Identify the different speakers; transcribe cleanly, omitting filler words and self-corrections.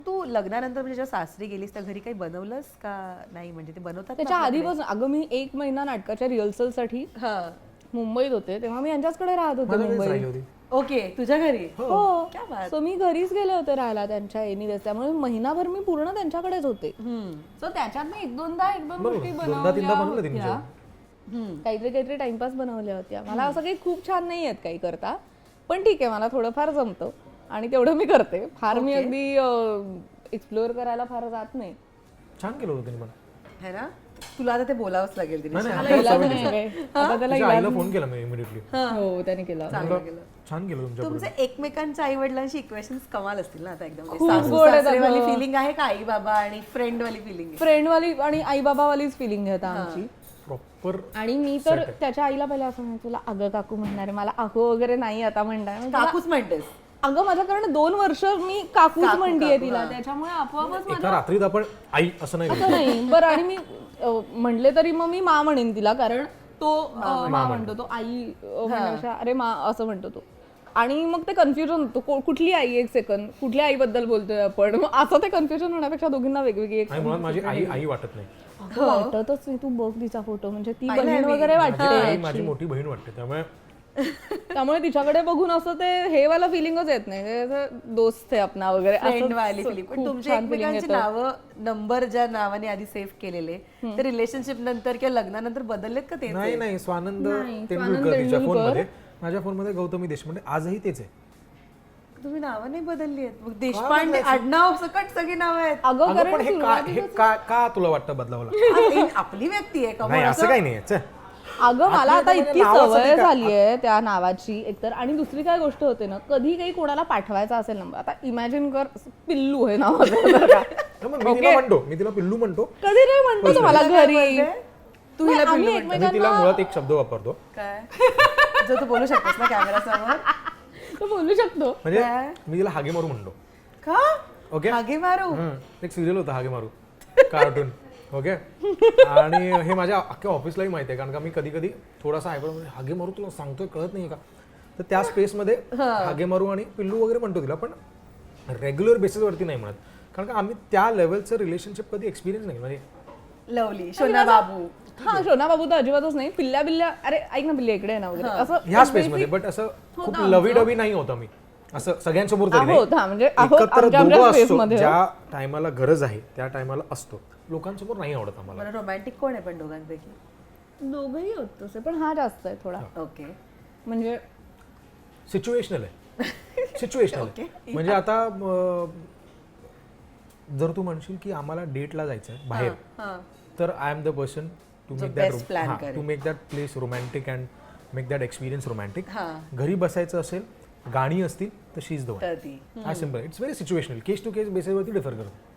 Speaker 1: तू लग्नानंतर म्हणजे जेव्हा सासरी गेलीस तर घरी काही बनवलंस का नाही, म्हणजे ते बनवतात ना
Speaker 2: त्याच्या
Speaker 1: आपल्याकडे?
Speaker 2: आधीपासून अगं मी 1 महिना नाटकाच्या रिहर्सलसाठी मुंबईत होते तेव्हा मी यांच्याचकडे राहत होते
Speaker 3: मला राहिली
Speaker 2: मुंबईत.
Speaker 3: होती.
Speaker 1: ओके, तुझ्या घरी?
Speaker 2: हो
Speaker 1: क्या बात.
Speaker 2: सो मी घरीच गेले होते राहायला त्यांच्या एनिवेज, त्यामुळे महिनाभर मी पूर्ण त्यांच्याकडेच होते. सो त्याच्यात मी एक दोन गोष्टी
Speaker 3: दोनदा तीनदा बनवलं
Speaker 2: बनवल्या
Speaker 3: तिने
Speaker 2: होत्या.
Speaker 3: जेवण.
Speaker 2: काहीतरी टाइमपास बनवल्या होत्या. मला असं काही खूप छान नाही आहेत काही करता, पण ठीक आहे मला थोडंफार जमतं आणि तेवढं मी करते. फार मी अगदी एक्सप्लोअर करायला फार जात नाही.
Speaker 3: छान केलं होतं तिने पण.
Speaker 1: है ना, तुला आता ते बोलावंच लागेल तिने.
Speaker 3: नाही, नाही,
Speaker 2: मला इलाज नाही काय. आता त्याला
Speaker 3: तिच्या आईला फोन केला मी इमिडिएटली.
Speaker 2: हो त्याने केला.
Speaker 3: छान केलं तुमच्या
Speaker 1: तुमचे एकमेकांच्या आई वडिलांशी इक्वेशन्स कमाल असतील ना आता एकदम.
Speaker 2: खूप गोड आहेत अगं.
Speaker 1: वाली फिलिंग आहे का आई बाबा आणि फ्रेंड वाली फिलिंग?
Speaker 2: फ्रेंडवाली आणि आई बाबावालीच फिलिंग आहे आता आमची.
Speaker 3: प्रॉपर.
Speaker 2: आणि मी तर त्याच्या आईला पहिले असं म्हणते तुला अगं काकू म्हणणार आहे, मला अगं वगैरे नाही आता म्हणणार.
Speaker 1: काकूच म्हणतेस?
Speaker 2: अगं माझ्याकडनं 2 वर्ष मी काकूच म्हणतीये तिला, त्याच्यामुळे आपोआपच
Speaker 3: एका रात्रीत आपण आई असं नाही
Speaker 2: असं नाही. बरं आणि मी म्हणले तरी मग मी मा म्हणेन तिला, कारण तो मा म्हणतो, तो आई म्हणण्यापेक्षा अरे मा असं म्हणतो तो. आणि मग ते कन्फ्युजन होतं कुठली आई, एक सेकंड कुठल्या आईबद्दल बोलतोय आपण, मग असं ते कन्फ्युजन होण्यापेक्षा दोघींना वेगवेगळी एक
Speaker 3: आणि मुळात माझी आई आई वाटत नाही.
Speaker 2: वाटतच नाही. तू बघ तिचा फोटो, म्हणजे ती बहीण वगैरे
Speaker 3: माझी आई
Speaker 2: वाटते.
Speaker 3: माझी मोठी बहीण वाटते.
Speaker 2: त्यामुळे तिच्याकडे बघून असं ते हे वाला फिलिंगच येत नाही, ते असं दोस्त आहे आपला वगैरे
Speaker 1: फ्रेंड वाली
Speaker 2: असं
Speaker 1: फिलिंग. पण
Speaker 2: खूप
Speaker 1: तुमचे
Speaker 2: छान feeling
Speaker 1: एकमेकांची
Speaker 2: येतं.
Speaker 1: नावं, नंबर ज्या नावाने आधी सेव्ह केलेले ते रिलेशनशिप नंतर किंवा लग्नानंतर बदललेत का? ते
Speaker 3: नाही नाही, स्वानंद तेंडुलकर तिच्या फोनमध्ये, माझ्या फोनमध्ये गौतमी देशपांडे आजही तेच आहे.
Speaker 1: तुम्ही नावं नाही बदलली आहेत? मग देशपांडे आडनाव सकट सगळी नावं आहेत.
Speaker 2: अगं
Speaker 3: अगं
Speaker 2: कारण
Speaker 3: पण हे का तुला वाटतं बदलावं लागतं?
Speaker 1: आज ही आपली व्यक्ती आहे का?
Speaker 3: नाही असं काही नाही.
Speaker 2: अगं मला आता
Speaker 3: आपल्या
Speaker 2: इतकी
Speaker 3: नावासाठी
Speaker 2: सवय
Speaker 3: का-
Speaker 2: झाली आहे त्या नावाची एकतर, आणि दुसरी काय गोष्ट होते ना, कधी काही कोणाला पाठवायचा असेल नंबर, आता इमॅजिन कर पिल्लू आहे नावाचं बरं का.
Speaker 3: मी तिला म्हणतो, मी तिला पिल्लू म्हणतो.
Speaker 2: कधी नाही म्हणतो तो मला घरी.
Speaker 1: तू हिला
Speaker 2: आम्ही
Speaker 1: पिल्लू
Speaker 2: एकमेकांना-
Speaker 3: मी तिला मुळात एक शब्द वापरतो,
Speaker 1: काय जो तू बोलू शकतोस ना कॅमेरा समोर?
Speaker 2: तो बोलू शकतो.
Speaker 3: म्हणजे मी तिला हागे मारू म्हणतो.
Speaker 1: का
Speaker 3: ओके,
Speaker 1: हागे मारू?
Speaker 3: एक सिरियल होतं हागे मारू, कार्टून. ओके, आणि हे माझ्या अख्ख्या ऑफिसलाही माहिती आहे, कारण का मी कधी कधी थोडासा हागे मारू तुला सांगतोय कळत नाही का, तर त्या स्पेसमध्ये हागे मारू आणि पिल्लू वगैरे म्हणतो तिला, पण रेग्युलर बेसिसवरती नाही म्हणत, कारण का आम्ही त्या लेवलचं रिलेशनशिप कधी एक्सपिरियन्स नाही. म्हणजे
Speaker 1: लवली, शोना बाबू.
Speaker 2: हा शोना बाबू तर अजिबातच नाही. पिल्ल्या बिल्ल्या अरे ऐक ना पिल्ल्या इकडे आहे ना वगैरे असं
Speaker 3: ह्या स्पेसमध्ये, बट असं खूप लवी डवी नाही होतं मी असं सगळ्यांसमोर तरी नाही.
Speaker 2: आहोत, हा म्हणजे आहोत,
Speaker 3: एकत्र
Speaker 2: आमच्या
Speaker 3: दोघं
Speaker 2: space
Speaker 3: असतो,
Speaker 2: मध्ये.
Speaker 3: ज्या टायमाला गरज आहे त्या टायमाला असतो. लोकांसमोर नाही आवडत आम्हाला.
Speaker 1: मला रोमॅन्टिक कोण आहे पण दोघांपैकी?
Speaker 2: दोघंही होत तसे, पण हा जास्त आहे थोडा.
Speaker 1: ओके.
Speaker 2: म्हणजे
Speaker 3: सिच्युएशनल आहे. सिच्युएशनल आहे. म्हणजे आता जर तू म्हणशील की आम्हाला डेटला जायचं आहे बाहेर, तर I am the person to make that place romantic and make that experience romantic. घरी बसायचं असेल, गाणी असतील तर शी इज द वन.
Speaker 1: ती
Speaker 3: हा simple. It's very situational, case to case बेसिसवरती डिफर करतो.